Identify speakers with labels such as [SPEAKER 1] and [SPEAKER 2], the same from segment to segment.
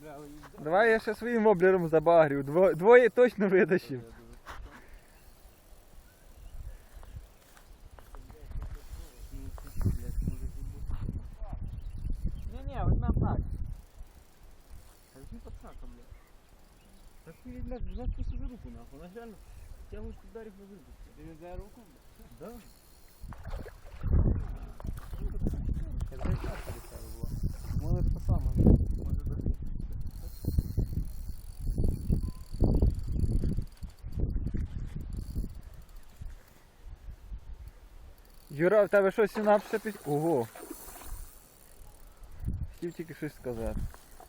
[SPEAKER 1] Давай я ще своїм воблером забагрю. Двоє точно витащив.
[SPEAKER 2] Не, одна так. Возьми подсака, блядь. Так ты, блядь, взять просто за руку, нахуй. Она реально тягивает ударив на выпуске. Ты не за руку, блядь? Да. Это и так перестали было. Может это самое. Может даже.
[SPEAKER 1] Юра, в тебе що, синапса під... Ого! Хотів тільки щось сказати.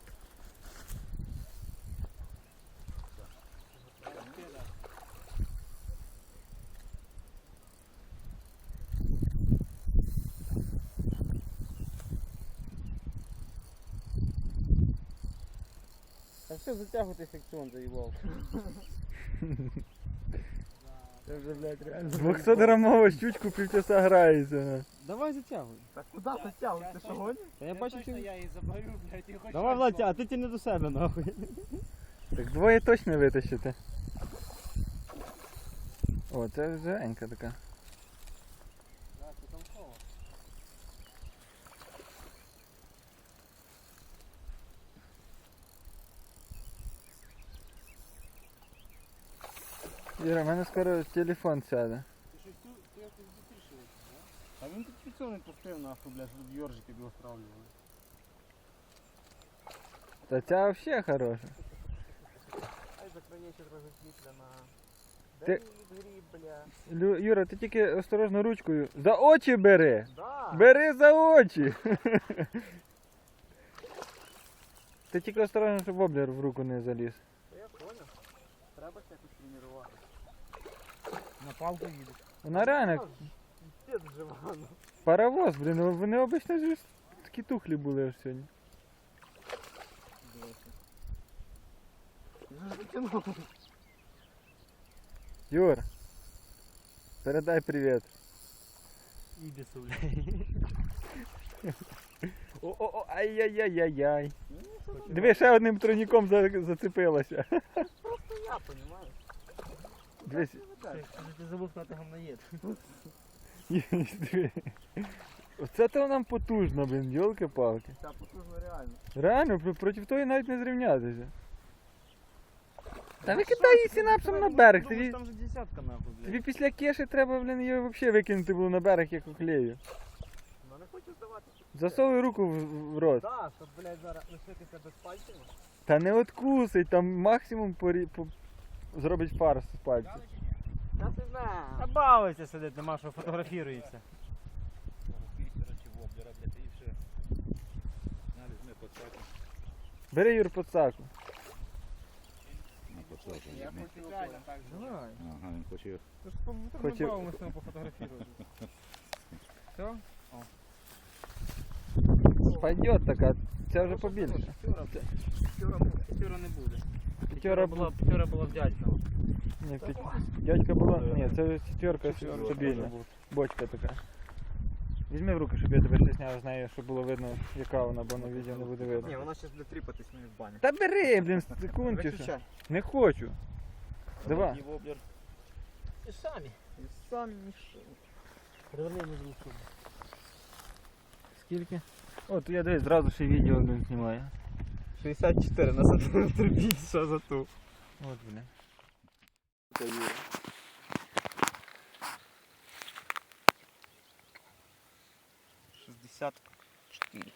[SPEAKER 2] А все, затягивай секцион заебал.
[SPEAKER 1] Це вже, блядь, реально. 200-грамова щучку півчаса грається.
[SPEAKER 2] Давай затягивай.
[SPEAKER 3] Так куди затягуй? Ти що гониш?
[SPEAKER 2] Та я бачу, ти...
[SPEAKER 3] Я її заберу, блядь, і хочу.
[SPEAKER 2] Давай, Владя, а ти тяни до себе, нахуй.
[SPEAKER 1] Так двоє точно витащите. О, це вже Енька така.
[SPEAKER 3] Да, це там кого?
[SPEAKER 1] Юра, в мене скоро телефон сяде.
[SPEAKER 3] Ти щось тут, ти якось быстріше, да? А він тут фіксований пустив, нахуй, блядь, щоб йоржики його стравлювали.
[SPEAKER 1] Та ця взагалі хороша.
[SPEAKER 3] Ай, закранече трохи світля на...
[SPEAKER 1] Ти-
[SPEAKER 3] Дай гріб, бля.
[SPEAKER 1] Юра, ти тільки осторожно ручкою. За очі бери!
[SPEAKER 3] Да.
[SPEAKER 1] Бери за очі! Ти тільки осторожно, щоб воблер в руку не заліз.
[SPEAKER 3] Та я понял. Треба ж якось тренувати.
[SPEAKER 2] На палку їдеш.
[SPEAKER 1] Вона реально
[SPEAKER 3] Під живано.
[SPEAKER 1] паровоз, блін, вони обично ж такі тухлі були аж сьогодні. Юр, передай привіт.
[SPEAKER 2] Ібісу, блядь.
[SPEAKER 1] О, ай-яй-яй-яй-яй. Диви, ще одним троніком зацепилася.
[SPEAKER 3] Просто я, понимаешь?
[SPEAKER 1] Дивись,
[SPEAKER 2] Ти забув сказати гамнаєд.
[SPEAKER 1] диви. Оце то нам потужно, блін, йолки-палки.
[SPEAKER 3] Та потужно реально.
[SPEAKER 1] Реально, проти тої навіть не зрівнятися. Та викидай її синапсом на берег. Тобі,
[SPEAKER 2] Там же десятка, нахуй, блядь.
[SPEAKER 1] тобі після кеші треба, блін, її взагалі викинути було на берег, як оклею.
[SPEAKER 3] Ну не хочу здавати.
[SPEAKER 1] Засовуй руку в рот.
[SPEAKER 3] Да, щоб, блядь, зараз лишитися без пальців.
[SPEAKER 1] Та не откусить, там максимум зробить фарс з пальців.
[SPEAKER 3] Та ти знаю.
[SPEAKER 2] Та бавиться сидить, нема що фотографірується.
[SPEAKER 1] Бери, Юр, подсаку.
[SPEAKER 3] Я хочу реально так же.
[SPEAKER 2] Давай.
[SPEAKER 4] Ага, він хоче.
[SPEAKER 2] Ти ж
[SPEAKER 1] Хочу-
[SPEAKER 2] ми з ним пофотографірувати. Все?
[SPEAKER 1] Пойдет така, це вже побільше.
[SPEAKER 2] П'ятьора не буде.
[SPEAKER 1] П'ятьора була.
[SPEAKER 2] П'ятьора була в дядька.
[SPEAKER 1] Ні, дядька була. Ні, це четверка стабільна. Бочка така. Візьми в руки, щоб я тебе ще зняв з нею, щоб було видно, яка вона, бо на відео не буде видно.
[SPEAKER 3] Ні, вона зараз буде тріпатись мені в бані.
[SPEAKER 1] Та бери, блін, секундчика.
[SPEAKER 3] Виключай.
[SPEAKER 1] Не хочу. Давай.
[SPEAKER 2] І самі.
[SPEAKER 3] І сам ніщо.
[SPEAKER 2] Переверни на другу сторону.
[SPEAKER 1] Скільки? От я дивись, зразу ще відео не знімаю.
[SPEAKER 3] 64 на сантиметр більше за ту.
[SPEAKER 1] От, блін.
[SPEAKER 3] 64.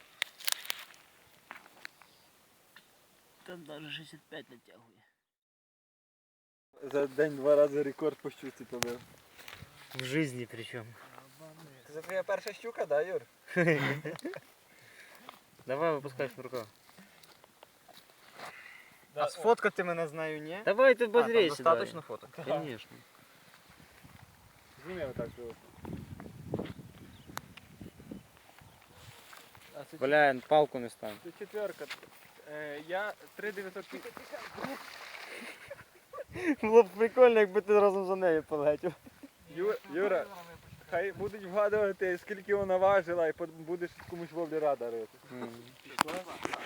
[SPEAKER 2] Там навіть 65 натягує.
[SPEAKER 1] За день 2 рази рекорд по щуці побив.
[SPEAKER 2] В житті причому.
[SPEAKER 1] Це твоя перша щука, да, Юр?
[SPEAKER 2] Давай випускай шнурка.
[SPEAKER 3] А сфоткати мене знаю, ні?
[SPEAKER 2] Давай ти
[SPEAKER 3] А, там
[SPEAKER 2] базрейся.
[SPEAKER 3] достаточно фото.
[SPEAKER 2] Конечно.
[SPEAKER 1] Зніми отак, що. А це
[SPEAKER 2] Бля, палку не стань.
[SPEAKER 1] Це четверка. Я 3900.
[SPEAKER 2] Було б прикольно, якби ти разом за нею полетів.
[SPEAKER 1] Юра, хай будуть вгадувати, скільки вона важила, і будеш комусь воблера дарити.